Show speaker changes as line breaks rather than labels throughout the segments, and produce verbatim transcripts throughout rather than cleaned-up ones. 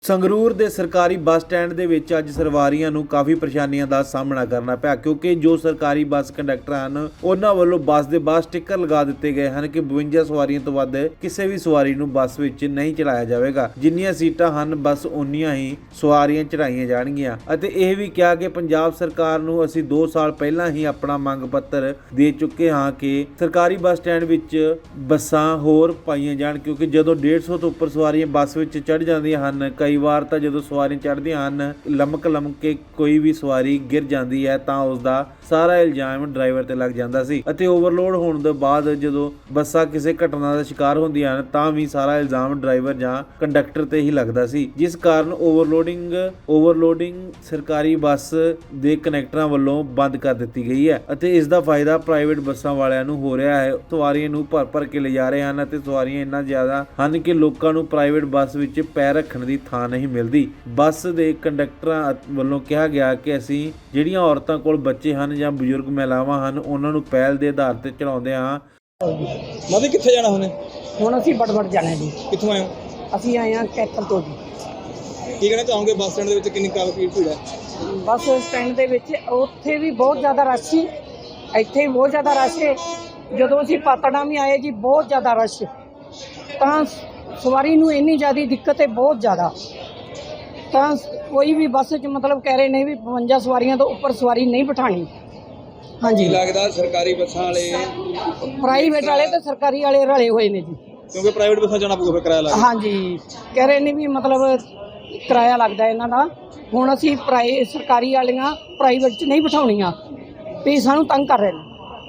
ਸੰਗਰੂਰ ਦੇ ਸਰਕਾਰੀ bus stand ਦੇ ਵਿੱਚ ਅੱਜ ਸਵਾਰੀਆਂ ਨੂੰ ਕਾਫੀ ਪਰੇਸ਼ਾਨੀਆਂ ਦਾ ਸਾਹਮਣਾ ਕਰਨਾ ਪਿਆ ਕਿਉਂਕਿ ਜੋ ਸਰਕਾਰੀ ਬੱਸ ਕੰਡਕਟਰ ਹਨ ਉਹਨਾਂ ਵੱਲੋਂ ਬੱਸ ਦੇ ਬਾਹਰ ਸਟicker ਲਗਾ ਦਿੱਤੇ ਗਏ ਹਨ ਕਿ ਬਵੰਜਾ ਸਵਾਰੀਆਂ ਤੋਂ ਵੱਧ ਕਿਸੇ ਵੀ ਸਵਾਰੀ ਨੂੰ ਬੱਸ ਵਿੱਚ ਨਹੀਂ ਚੜਾਇਆ ਜਾਵੇਗਾ। ਜਿੰਨੀਆਂ ਸੀਟਾਂ ਹਨ ਬਸ ਉਨੀਆਂ ਹੀ ਸਵਾਰੀਆਂ ਚੜਾਈਆਂ ਜਾਣਗੀਆਂ ਅਤੇ ਇਹ ਵੀ ਕਿਹਾ ਕਿ ਪੰਜਾਬ ਸਰਕਾਰ ਨੂੰ ਅਸੀਂ ਦੋ ਸਾਲ ਪਹਿਲਾਂ ਹੀ ਆਪਣਾ ਮੰਗ ਪੱਤਰ ਦੇ ਚੁੱਕੇ ਹਾਂ ਕਿ ਸਰਕਾਰੀ ਬੱਸ ਸਟੈਂਡ ਵਿੱਚ ਬੱਸਾਂ ਹੋਰ ਪਾਈਆਂ ਜਾਣ ਕਿਉਂਕਿ ਜਦੋਂ ਡੇਢ ਸੌ ਤੋਂ ਉੱਪਰ ਸਵਾਰੀਆਂ ਬੱਸ ਵਿੱਚ ਚੜ੍ਹ ਜਾਂਦੀਆਂ ਹਨ ਕਈ ਵਾਰ ਤਾਂ ਜਦੋਂ ਸਵਾਰੀਆਂ ਚੜ੍ਹਦੀਆਂ ਹਨ ਲਮਕ ਲਮਕ ਕੇ ਕੋਈ ਵੀ ਸਵਾਰੀ ਗਿਰ ਜਾਂਦੀ ਹੈ ਤਾਂ ਉਸ ਦਾ ਸਾਰਾ ਇਲਜ਼ਾਮ ਡਰਾਈਵਰ ਤੇ ਲੱਗ ਜਾਂਦਾ ਸੀ ਅਤੇ ਓਵਰਲੋਡ ਹੋਣ ਤੋਂ ਬਾਅਦ ਜਦੋਂ ਬੱਸਾਂ ਕਿਸੇ ਘਟਨਾ ਦਾ ਸ਼ਿਕਾਰ ਹੁੰਦੀਆਂ ਹਨ ਤਾਂ ਵੀ ਸਾਰਾ ਇਲਜ਼ਾਮ ਡਰਾਈਵਰ ਜਾਂ ਕੰਡਕਟਰ ਤੇ ਹੀ ਲੱਗਦਾ ਸੀ, ਜਿਸ ਕਾਰਨ ਓਵਰਲੋਡਿੰਗ ਓਵਰਲੋਡਿੰਗ ਸਰਕਾਰੀ ਬੱਸ ਦੇ ਕਨੈਕਟਰਾਂ ਵੱਲੋਂ ਬੰਦ ਕਰ ਦਿੱਤੀ ਗਈ ਹੈ ਅਤੇ ਇਸ ਦਾ ਫਾਇਦਾ ਪ੍ਰਾਈਵੇਟ ਬੱਸਾਂ ਵਾਲਿਆਂ ਨੂੰ ਹੋ ਰਿਹਾ ਹੈ। ਸਵਾਰੀਆਂ ਨੂੰ ਭਰ ਭਰ ਕੇ ਲਿਜਾ ਰਹੇ ਹਨ ਅਤੇ ਸਵਾਰੀਆਂ ਇੰਨਾ ਜ਼ਿਆਦਾ ਹਨ ਕਿ ਲੋਕਾਂ ਨੂੰ ਪ੍ਰਾਈਵੇਟ ਬੱਸ ਵਿੱਚ ਪੈਰ ਰੱਖਣ ਦੀ ਥਾਂ ਨਹੀਂ ਮਿਲਦੀ। ਬੱਸ ਦੇ ਕੰਡਕਟਰਾਂ ਵੱਲੋਂ ਕਿਹਾ ਗਿਆ ਕਿ ਅਸੀਂ ਜਿਹੜੀਆਂ ਔਰਤਾਂ ਕੋਲ ਬੱਚੇ ਹਨ ਜਾਂ ਬਜ਼ੁਰਗ ਮਹਿਲਾਵਾਂ ਹਨ ਉਹਨਾਂ ਨੂੰ ਪਹਿਲ ਦੇ ਆਧਾਰ ਤੇ ਚੜਾਉਂਦੇ ਹਾਂ।
ਮਾਦੇ ਕਿੱਥੇ ਜਾਣਾ ਹੁਣੇ?
ਹੁਣ ਅਸੀਂ ਬੜਬੜ ਜਾਣਾ ਜੀ।
ਕਿੱਥੋਂ ਆਏ ਹੋ?
ਅਸੀਂ ਆਏ ਹਾਂ ਕੈਥਲ ਤੋਂ ਜੀ।
ਕੀ ਕਹਿਣਾ ਚਾਹੋਗੇ ਬੱਸ ਸਟੈਂਡ ਦੇ ਵਿੱਚ ਕਿੰਨੀ ਕਾਫੀ ਭੀੜ ਹੈ?
ਬੱਸ ਸਟੈਂਡ ਦੇ ਵਿੱਚ ਉੱਥੇ ਵੀ ਬਹੁਤ ਜ਼ਿਆਦਾ ਰਸ਼ ਸੀ, ਇੱਥੇ ਵੀ ਬਹੁਤ ਜ਼ਿਆਦਾ ਰਸ਼ ਹੈ। ਜਦੋਂ ਅਸੀਂ ਪਾਤੜਾਂ ਵੀ ਆਏ ਜੀ ਬਹੁਤ ਜ਼ਿਆਦਾ ਰਸ਼, ਤਾਂ ਸਵਾਰੀ ਨੂੰ ਇੰਨੀ ਜ਼ਿਆਦਾ ਦਿੱਕਤ ਹੈ ਬਹੁਤ ਜ਼ਿਆਦਾ। ਤਾਂ ਕੋਈ ਵੀ ਬੱਸ 'ਚ ਮਤਲਬ ਕਹਿ ਰਹੇ ਨੇ ਵੀ ਬਵੰਜਾ ਸਵਾਰੀਆਂ ਤੋਂ ਉੱਪਰ ਸਵਾਰੀ ਨਹੀਂ ਬਿਠਾਣੀ। ਹਾਂਜੀ,
ਲੱਗਦਾ ਸਰਕਾਰੀ ਬੱਸਾਂ ਵਾਲੇ
ਪ੍ਰਾਈਵੇਟ ਵਾਲੇ ਤੇ ਸਰਕਾਰੀ ਵਾਲੇ ਰਲੇ ਹੋਏ ਨੇ ਜੀ,
ਕਿਉਂਕਿ ਪ੍ਰਾਈਵੇਟ ਬੱਸਾਂ ਜਾਣਾ ਪਊਗਾ ਫਿਰ ਕਿਰਾਇਆ ਲੱਗਦਾ।
ਹਾਂਜੀ, ਕਹਿ ਰਹੇ ਨੇ ਵੀ ਮਤਲਬ ਕਿਰਾਇਆ ਲੱਗਦਾ ਇਹਨਾਂ ਦਾ। ਹੁਣ ਅਸੀਂ ਪ੍ਰਾਈ ਸਰਕਾਰੀ ਵਾਲੀਆਂ ਪ੍ਰਾਈਵੇਟ 'ਚ ਨਹੀਂ ਬਿਠਾਉਣੀਆਂ ਵੀ ਸਾਨੂੰ ਤੰਗ ਕਰ ਰਹੇ ਨੇ।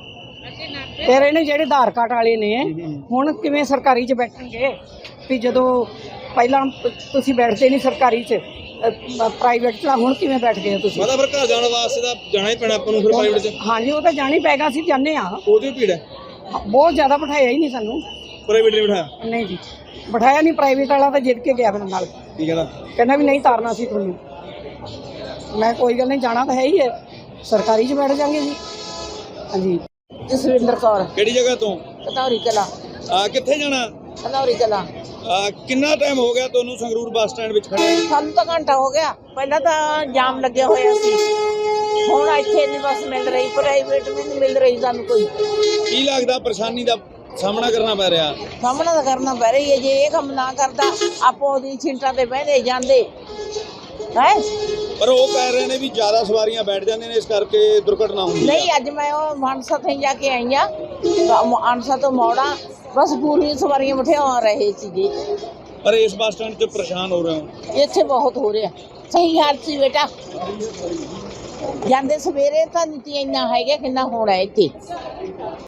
ਕਹਿ ਰਹੇ ਨੇ ਜਿਹੜੇ ਆਧਾਰ ਕਾਰਡ ਵਾਲੇ ਨੇ ਹੁਣ ਕਿਵੇਂ ਸਰਕਾਰੀ 'ਚ ਬੈਠਣਗੇ ਵੀ ਜਦੋਂ ਪਹਿਲਾਂ ਤੁਸੀਂ ਬੈਠਦੇ ਨਹੀਂ ਸਰਕਾਰੀ 'ਚ ਪ੍ਰਾਈਵੇਟ 'ਚ, ਹੁਣ ਕਿਵੇਂ ਬੈਠ ਗਏ ਤੁਸੀਂ?
ਮਤਲਬ ਫਿਰ ਘਰ ਜਾਣ ਵਾਸਤੇ ਤਾਂ ਜਾਣਾ ਹੀ ਪੈਣਾ ਆਪਾਂ ਨੂੰ ਫਿਰ ਪ੍ਰਾਈਵੇਟ 'ਚ।
ਹਾਂਜੀ, ਉਹ ਤਾਂ ਜਾਣਾ ਹੀ ਪੈਗਾ, ਅਸੀਂ ਜਾਂਦੇ ਹਾਂ।
ਉਹਦੀ ਭੀੜ ਹੈ
ਬਹੁਤ ਜ਼ਿਆਦਾ ਬਿਠਾਇਆ ਹੀ ਨਹੀਂ ਸਾਨੂੰ।
ਪ੍ਰਾਈਵੇਟ ਨੇ ਬਿਠਾਇਆ?
ਨਹੀਂ ਜੀ, ਬਿਠਾਇਆ ਨਹੀਂ। ਪ੍ਰਾਈਵੇਟ ਵਾਲਾ ਤਾਂ ਜਿੱਦ ਕੇ ਗਿਆ ਮੇਰੇ ਨਾਲ,
ਕੀ ਕਹਿੰਦਾ? ਕਹਿੰਦਾ
ਵੀ ਨਹੀਂ ਤਾਰਨਾ ਸੀ ਤੁਹਾਨੂੰ। ਮੈਂ ਕੋਈ ਗੱਲ ਨਹੀਂ, ਜਾਣਾ ਤਾਂ ਹੈ ਹੀ ਹੈ, ਸਰਕਾਰੀ 'ਚ ਬੈਠ ਜਾਂਗੇ ਜੀ। ਹਾਂਜੀ, ਜਸਵਿੰਦਰ ਕੌਰ।
ਕਿਹੜੀ ਜਗ੍ਹਾ ਤੋਂ?
ਕਤੌਰੀ ਕਲਾ।
ਆ ਕਿੱਥੇ ਜਾਣਾ?
ਕਤੌਰੀ ਕਲਾ।
ਆ ਕਿੰਨਾ ਟਾਈਮ ਹੋ ਗਿਆ ਤੁਹਾਨੂੰ ਸੰਗਰੂਰ ਬੱਸ ਸਟੈਂਡ ਵਿੱਚ ਖੜੇ?
ਸਾਨੂੰ ਤਾਂ ਘੰਟਾ ਹੋ ਗਿਆ। ਪਹਿਲਾਂ ਤਾਂ ਜਾਮ ਲੱਗਿਆ ਹੋਇਆ ਸੀ, ਹੁਣ ਇੱਥੇ ਨਹੀਂ ਬੱਸ ਮਿਲ ਰਹੀ, ਪ੍ਰਾਈਵੇਟ ਵੀ ਨਹੀਂ ਮਿਲ ਰਹੀ ਸਾਨੂੰ ਕੋਈ।
ਕੀ ਲੱਗਦਾ ਪਰੇਸ਼ਾਨੀ ਦਾ ਸਾਹਮਣਾ ਕਰਨਾ ਪੈ ਰਿਹਾ?
ਸਾਹਮਣਾ ਤਾਂ ਕਰਨਾ ਪੈ ਰਹੀ ਹੈ। ਜੇ ਇਹ ਕੰਮ ਨਾ ਕਰਦਾ ਆਪੋ ਉਹਦੀ ਸੀਟਾਂ ਤੇ ਬਹਿੰਦੇ ਜਾਂਦੇ ਹੈ।
ਪਰ ਉਹ ਕਹਿ ਰਹੇ ਨੇ ਵੀ ਜ਼ਿਆਦਾ ਸਵਾਰੀਆਂ ਬੈਠ ਜਾਂਦੀਆਂ ਨੇ ਇਸ ਕਰਕੇ ਦੁਰਘਟਨਾ ਹੁੰਦੀ ਹੈ।
ਨਹੀਂ, ਅੱਜ ਮੈਂ ਉਹ ਮਾਨਸਾ ਤੋਂ ਜਾ ਕੇ ਆਈ ਹਾਂ, ਮਾਨਸਾ ਤੋਂ ਮੋੜਾ ਬਸ ਪੂਰੀਆਂ ਸਵਾਰੀਆਂ ਬਿਠਾ ਰਹੇ ਸੀਗੇ।
ਪਰ ਇਸ ਬੱਸ ਸਟੈਂਡ 'ਚ ਪਰੇਸ਼ਾਨ ਹੋ ਰਹੇ ਹੋ?
ਇੱਥੇ ਬਹੁਤ ਹੋ ਰਿਹਾ। ਸਹੀ ਹਾਲ ਸੀ ਬੇਟਾ, ਜਾਂਦੇ ਸਵੇਰੇ ਤਾਂ ਨੀਤੀ ਇੰਨਾ ਹੈਗਾ ਕਿੰਨਾ ਹੋਣਾ ਇੱਥੇ।